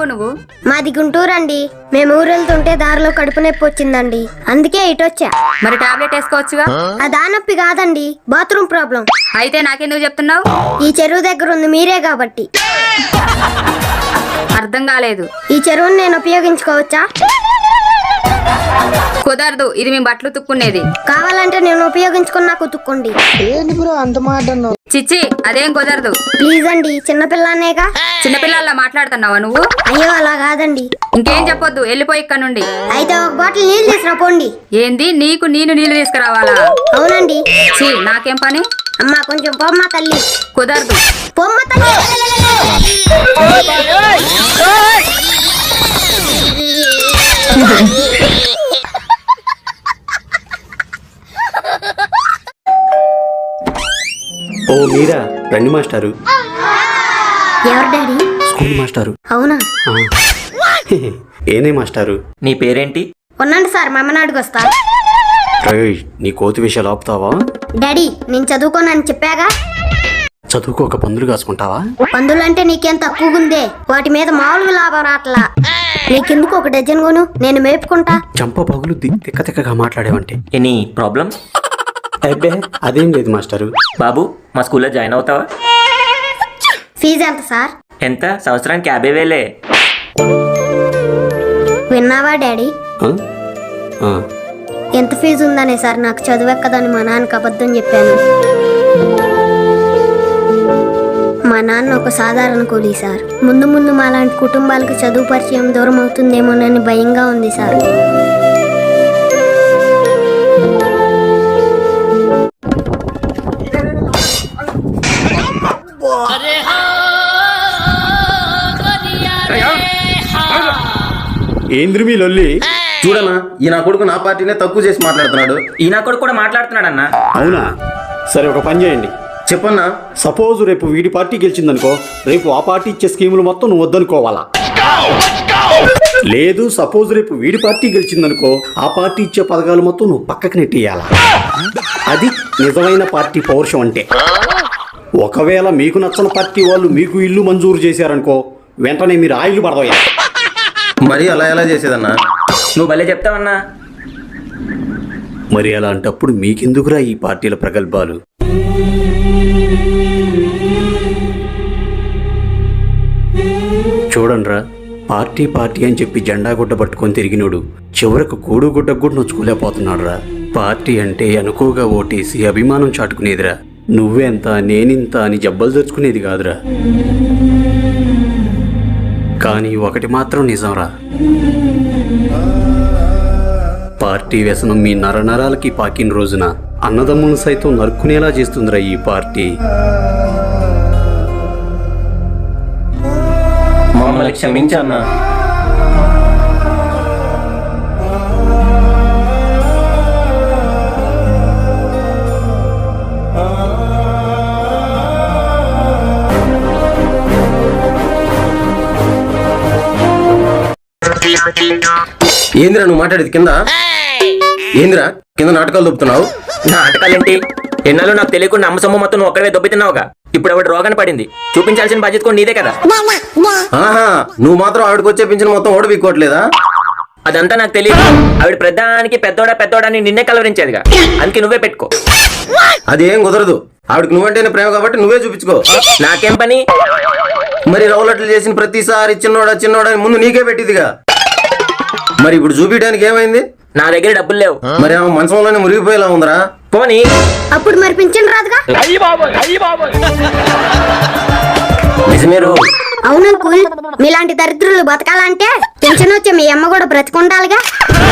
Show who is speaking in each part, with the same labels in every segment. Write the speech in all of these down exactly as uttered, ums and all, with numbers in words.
Speaker 1: నువ్వు?
Speaker 2: మాది గుంటూరు అండి. మేము ఊరు వెళ్తుంటే దారిలో కడుపు నొప్పి వచ్చిందండి, అందుకే ఇటొచ్చా.
Speaker 1: మరి టాబ్లెట్ వేసుకోవచ్చుగా.
Speaker 2: ఆ దానొప్పి కాదండి, బాత్రూమ్ ప్రాబ్లం.
Speaker 1: అయితే నాకెందుకు చెప్తున్నావు?
Speaker 2: ఈ చెరువు దగ్గర ఉంది మీరే కాబట్టి.
Speaker 1: అర్థం కాలేదు.
Speaker 2: ఈ చెరువుని నేను ఉపయోగించుకోవచ్చా?
Speaker 1: కుదరదు, ఇది మేము బట్టలు తుక్కునేది.
Speaker 2: కావాలంటే నేను ఉపయోగించుకున్నా కుతుక్కోండి.
Speaker 1: చిచ్చి, అదేం కుదరదు.
Speaker 2: ప్లీజ్ అండి, చిన్నపిల్లనేగా.
Speaker 1: చిన్నపిల్లల్లా మాట్లాడుతున్నావా నువ్వు?
Speaker 2: అయ్యో అలా కాదండి.
Speaker 1: ఇంకేం చెప్పొద్దు, వెళ్ళిపోయి ఇక్కడ నుండి.
Speaker 2: అయితే ఒక బాటిల్ నీళ్ళు తీసుకురా పోండి.
Speaker 1: ఏంది నీకు నేను నీళ్లు తీసుకురావాలా?
Speaker 2: అవునండి.
Speaker 1: ఛీ, నాకేం పని?
Speaker 2: అమ్మా కొంచెం పొమ్మ తల్లి.
Speaker 1: కుదరదు.
Speaker 2: పొమ్మ తల్లి.
Speaker 3: ఓ మీరా, రండి మాస్టారు.
Speaker 2: ఎవరు డాడీ?
Speaker 3: స్కూల్ మాస్టారు.
Speaker 2: అవునా?
Speaker 3: ఏనే మాస్టారు,
Speaker 4: నీ పేరేంటి?
Speaker 2: ఉన్నాండి సార్, మా అమ్మని అడుగొస్తా.
Speaker 3: నీ కోతి విషయాలు ఆపుతావా?
Speaker 2: డాడీ నేను చదువుకోనని చెప్పాగా.
Speaker 3: చదువుకోక పందులు కాసుకుంటావా?
Speaker 2: పందులంటే నీకేం తక్కువగుందే, వాటి మీద మామూలుగా లాభం రాట్లా. నీకెందుకు ఒక డజన్ కొను, నేను మేపుకుంటా.
Speaker 3: చంప పగులు తిక్క తిక్కగా మాట్లాడేవంటే.
Speaker 4: Any problem?
Speaker 3: అబ్బే అదేం లేదు మాస్టారు.
Speaker 4: బాబు, మా స్కూల్లో జాయిన్ అవుతావా?
Speaker 2: ఫీజు ఎంత సార్?
Speaker 4: ఎంత? సంవత్సరానికి యాభై వేలే.
Speaker 2: విన్నావా డాడీ? ఎంత ఫీజు ఉందనే సార్, నాకు చదువెక్కదని మా నాన్నకి అబద్ధం చెప్పాను. మా నాన్న ఒక సాధారణ కూలీ సార్. ముందు ముందు మాలాంటి కుటుంబాలకు చదువు పరిచయం దూరం అవుతుందేమోనని భయంగా ఉంది సార్.
Speaker 3: ఏంద్రి మీ లొల్లి?
Speaker 5: చూడనా, ఈ నా కొడుకు నా పార్టీనే తక్కువ చేసి మాట్లాడుతున్నాడు.
Speaker 4: ఈ నా కొడుకు కూడా మాట్లాడుతున్నాడు అన్న.
Speaker 3: అవునా? సరే ఒక పని చేయండి.
Speaker 5: చెప్పన్నా.
Speaker 3: సపోజ్ రేపు వీడి పార్టీ గెలిచిందనుకో, రేపు ఆ పార్టీ ఇచ్చే స్కీములు మొత్తం నువ్వు వద్దనుకోవాలా? లేదు, సపోజ్ రేపు వీడి పార్టీ గెలిచిందనుకో, ఆ పార్టీ ఇచ్చే పథకాలు మొత్తం నువ్వు పక్కకి నెట్టేయాలా? అది నిజమైన పార్టీ పౌరుషం అంటే. ఒకవేళ మీకు నచ్చని పార్టీ వాళ్ళు మీకు ఇల్లు మంజూరు చేశారనుకో, వెంటనే మీరు ఆ ఇల్లు పడదోయాలి.
Speaker 5: మరి అలా ఎలా చేసేదన్నా?
Speaker 4: నువ్వు భలే చెప్తావన్నా.
Speaker 3: మరి అలాంటప్పుడు మీకెందుకురా ఈ పార్టీల ప్రగల్భాలు? చూడండిరా, పార్టీ పార్టీ అని చెప్పి జెండా గుడ్డ పట్టుకొని తిరిగినోడు చివరకు కూడు గుడ్డ కూడా నొచ్చుకోలేకపోతున్నాడు రా. పార్టీ అంటే అనుకోగా ఓటేసి అభిమానం చాటుకునేదిరా. నువ్వెంత నేనింత అని జబ్బలు తెచ్చుకునేది కాదురా. కానీ ఒకటి మాత్రం నిజంరా, పార్టీ వ్యసనం మీ నరనరాలకి పాకిన రోజున అన్నదమ్ములను సైతం నరుక్కునేలా చేస్తుందిరా ఈ పార్టీ.
Speaker 4: మమ్మల్ని క్షమించన్నా.
Speaker 5: ఏందిరా నువ్వు మాట్లాడేది? కింద ఏందిరా కింద నాటకాలు దొబ్బుతున్నావు?
Speaker 4: నాటకాలేంటి? ఎన్నాళ్ళు నాకు తెలియకుండా అమ్మ సొమ్ము మొత్తం నువ్వు ఒక్కడే దొబ్బుతున్నావుగా. ఇప్పుడు ఆవిడ రోగాన్ని పడింది, చూపించాల్సిన బాధ్యత కూడా నీదే కదా.
Speaker 5: ఆహా, నువ్వు మాత్రం ఆవిడకి వచ్చే పింఛన్ మొత్తం ఓడిపోకోవట్లేదా?
Speaker 4: అదంతా నాకు తెలియదు. ఆవిడ ప్రధానికి పెద్దోడా పెద్దోడా అని నిన్నే కలవరించేదిగా, అందుకే నువ్వే పెట్టుకో.
Speaker 5: అదేం కుదరదు. ఆవిడకి నువ్వంటేనే ప్రేమ కాబట్టి నువ్వే చూపించుకో.
Speaker 4: నాకేం పని?
Speaker 5: మరి రౌలట్లు చేసిన ప్రతిసారి చిన్నోడా చిన్నోడా ముందు నీకే పెట్టిదిగా. మరి ఇప్పుడు చూపించడానికి ఏమైంది?
Speaker 4: నా దగ్గర డబ్బులు లేవు.
Speaker 5: మరి ఆమె మంచంలోనే మురిగిపోయేలా ఉందరా.
Speaker 4: పోనీ
Speaker 2: అప్పుడు మరి పింఛన్ రాదుగా.
Speaker 4: నిజమేరు.
Speaker 2: అవునంకుల్, మీలాంటి దరిద్రులు బతకాలంటే పింఛన్ వచ్చే మీ అమ్మ కూడా బ్రతికుండాలిగా.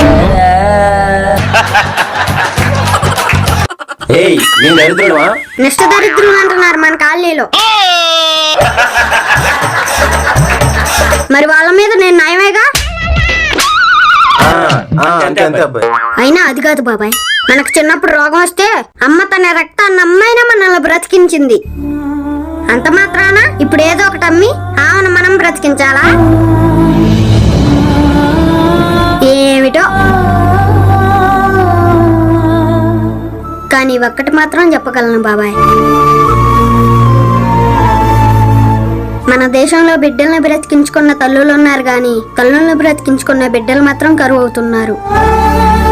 Speaker 5: ఏయ్, నేను దరిద్రుడువా?
Speaker 2: నిష్ట దరిద్రులు అంటున్నారు మన కాలనీలో. మరి వాళ్ళ మీద నేను నయమేగా.
Speaker 5: అంతే అంతే అబ్బాయి.
Speaker 2: అయినా అది కాదు బాబాయ్, మనకు చిన్నప్పుడు రోగం వస్తే అమ్మ తన రక్తాన్ని అమ్మైనా మనల్ని బ్రతికించింది. అంత మాత్రాన ఇప్పుడు ఏదో ఒకటి అమ్మి ఆమెను మనం బ్రతికించాలా? ఏమిటో. కానీ ఒక్కటి మాత్రం చెప్పగలను బాబాయ్, మన దేశంలో బిడ్డల్ని బ్రతికించుకున్న తల్లులు ఉన్నారు గాని తల్లుల్ని బ్రతికించుకున్న బిడ్డలు మాత్రం కరువు అవుతున్నారు.